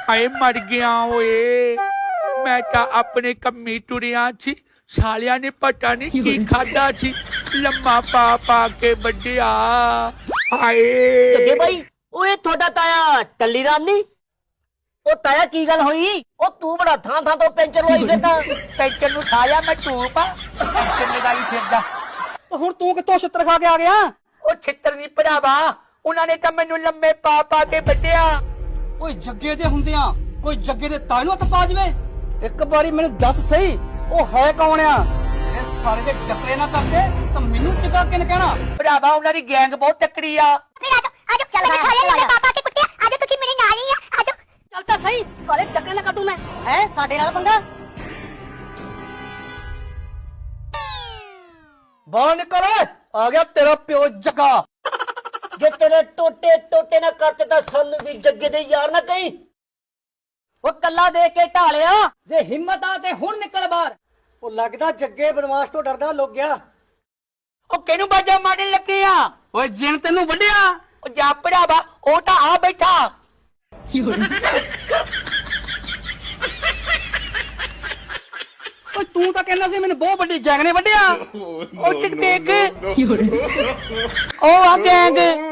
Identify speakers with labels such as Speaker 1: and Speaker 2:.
Speaker 1: ਹਾਏ ਮਰ ਗਿਆ ਓਏ। ਮੈਂ ਤਾਂ ਆਪਣੇ ਕੰਮੀ ਤੁਰਿਆ ਸੀ, ਸਾਲਿਆਂ ਨੇ ਪਤਾ ਨਹੀਂ ਕੀ ਖਾਦਾ ਸੀ, ਲੰਮਾ ਪਾ ਪਾ ਕੇ ਵੱਢਿਆ। ਹਾਏ
Speaker 2: ਜੱਗੇ ਬਾਈ, ਓਏ ਤੁਹਾਡਾ ਤਾਇਆ ਟੱਲੀ ਰਾਮ ਨੀ? ਉਹ ਤਾਇਆ ਕੀ ਗੱਲ ਹੋਈ? ਉਹ ਤੂੰ ਬੜਾ ਥਾਂ ਥਾਂ ਤੋਂ ਪੈਂਚਰ ਹੋਈ ਫਿਰਦਾ।
Speaker 1: ਪੈਂਚਰ ਨੂੰ ਠਾਇਆ ਮੈਂ ਟੂਪ ਆ, ਪੈਂਚਰ ਲਗਾਈ ਫਿਰਦਾ।
Speaker 3: ਹੁਣ ਤੂੰ ਕਿੱਥੋਂ ਛਿੱਤਰ ਖਾ ਕੇ ਆ ਗਿਆ?
Speaker 1: ਉਹ ਛਿੱਤਰ ਨਹੀਂ ਭਰਾਵਾ, ਉਹਨਾਂ ਨੇ ਤਾਂ ਮੈਨੂੰ ਲੰਮੇ ਪਾ ਪਾ ਕੇ ਵੱਢਿਆ।
Speaker 3: ਓਏ ਜੱਗੇ ਦੇ ਹੁੰਦਿਆਂ ਕੋਈ ਜੱਗੇ ਦੇ ਤਾਏ ਨੂੰ ਹੱਥ ਪਾ ਜਵੇ? ਇੱਕ ਵਾਰੀ ਮੈਨੂੰ ਦੱਸ ਸਹੀ, ਉਹ ਹੈ ਕੌਣ ਆ? ਇਹ ਸਾਰੇ ਦੇ ਟੱਕਰੇ ਨਾ ਕਰਦੇ ਤਾਂ ਮੈਨੂੰ ਚਗਾ ਕਿਨ ਕਹਿਣਾ?
Speaker 1: ਭਰਾਵਾ ਉਹਨਾਂ ਦੀ ਗੈਂਗ ਬਹੁਤ ਤਕੜੀ ਆ।
Speaker 4: ਆਜੋ ਚੱਲ ਮੈਂ ਥੋੜੇ ਲੰਮੇ ਪਾਪਾ ਕੇ ਕੁੱਟਿਆ। ਆਜੋ ਤੁਸੀਂ ਮੇਰੇ ਨਾਲ ਹੀ ਆ, ਆਜੋ।
Speaker 2: ਚੱਲ ਤਾਂ ਸਹੀ, ਸਾਰੇ ਟੱਕਰੇ ਨਾ ਕੱਢੂ ਮੈਂ। ਹੈ ਸਾਡੇ ਨਾਲ ਪੰਗਾ?
Speaker 3: ਬਾਹਰ ਨਿਕਲ, ਆ ਗਿਆ ਤੇਰਾ ਪਿਓ ਜੱਗਾ।
Speaker 2: ਜੇ ਤੇਰੇ ਟੋਟੇ ਟੋਟੇ ਨਾ ਕਰਤੇ ਤਾਂ ਸਾਨੂੰ ਵੀ ਜੱਗੇ ਦੇ ਯਾਰ ਨਾ ਕਹੀਂ।
Speaker 3: ਉਹ ਕੱਲਾ ਦੇ ਕੇ ਢਾਲਿਆ, ਜੇ ਹਿੰਮਤ ਆ ਤੇ ਹੁਣ ਨਿਕਲ ਬਾਹਰ। ਉਹ ਲੱਗਦਾ ਜੱਗੇ ਬਨਵਾਸ ਤੋਂ ਡਰਦਾ ਲੁੱਕ ਗਿਆ।
Speaker 1: ਉਹ ਕਿਹਨੂੰ ਬਾਜਾ ਮਾਰਨ ਲੱਗੇ ਆ?
Speaker 3: ਓਏ ਜਿਣ ਤੈਨੂੰ ਵੱਢਿਆ।
Speaker 1: ਉਹ ਜਾ ਭਰਾਵਾ, ਉਹ ਤਾਂ ਆ ਬੈਠਾ।
Speaker 3: ਓਏ ਤੂੰ ਤਾਂ ਕਹਿੰਦਾ ਸੀ ਮੈਨੂੰ ਬਹੁਤ ਵੱਡੀ ਗੈਂਗ ਨੇ ਵੱਢਿਆ।
Speaker 1: ਉਹ ਟਿਕ ਟਿਕ, ਉਹ ਆ ਗੈਂਗ।